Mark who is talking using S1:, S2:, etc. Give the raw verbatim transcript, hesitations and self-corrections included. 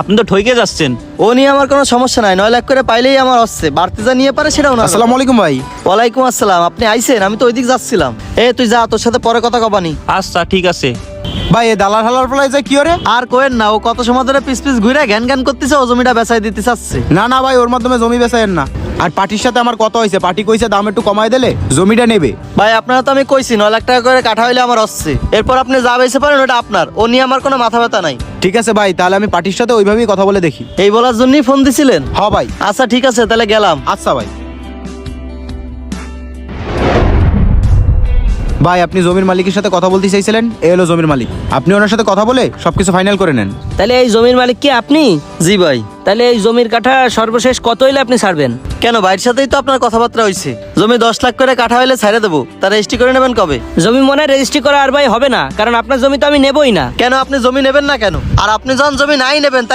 S1: আপনি তো ঠইকে যাচ্ছেন।
S2: ও নিয়ে আমার কোনো সমস্যা নাই, নয় লাখ করে পাইলেই আমার হচ্ছে, বাড়তি যা নিয়ে পারে সেটাও না।
S3: আসসালামু আলাইকুম ভাই।
S2: ওয়ালাইকুম আসসালাম। আপনি আইছেন? আমি তো ওইদিক যাচ্ছিলাম। এ তুই যা, তোর সাথে পরে কথা কবানি।
S1: আচ্ছা ঠিক আছে।
S3: ভাই এ দালাল হালার ফলাই যায় কি ওরে?
S2: আর কোয়েন না, ও কত সময় ধরে পিস পিস ঘুরে জ্ঞান জ্ঞান করতেছে, ও জমিটা বেচাই দিতে চাচ্ছে।
S3: না না ভাই, ওর মাধ্যমে জমি বেচায়েন না। আর পার্টির সাথে আমার কথা হয়েছে, পার্টি কইছে দাম একটু কমাই দিলে জমিটা নেবে।
S2: ভাই আপনারা তো আমি কইছি নয় লাখ টাকা করে কাঠা হইলে আমার হচ্ছে, এরপর আপনি যা বেচে পারেন ওটা আপনার, ও নিয়ে আমার কোনো মাথা ব্যথা নাই।
S3: ঠিক আছে ভাই, তাহলে আমি পার্টির সাথে ওইভাবেই কথা বলে দেখি।
S2: এই বলার জন্যই ফোন দিছিলেন?
S3: হ ভাই।
S2: আচ্ছা ঠিক আছে, তাহলে গেলাম।
S3: আচ্ছা ভাই। ভাই আপনি জমির মালিকের সাথে কথা বলতে চাইছিলেন, এ হলো জমির মালিক। আপনি ওনার সাথে কথা বলে সবকিছু ফাইনাল করে নেন।
S4: তাহলে এই জমির মালিক কি আপনি?
S2: জি ভাই।
S4: তাহলে এই জমির কাঠা সর্বশেষ কত হইলে আপনি ছাড়বেন?
S2: কেন, ভাইয়ের সাথেই তো আপনার কথাবার্তা হয়েছে। জমি দশ লাখ করে কাঠা হইলে ছাড়ে দেবো, তারা রেজিস্ট্রি করে নেবেন কবে?
S4: জমি মনে হয় রেজিস্ট্রি করা আর ভাই হবে না, কারণ আপনার জমি তো আমি নেবই না।
S2: কেন, আপনি জমি নেবেন না কেন? আর আপনি যখন জমি নাই নেবেন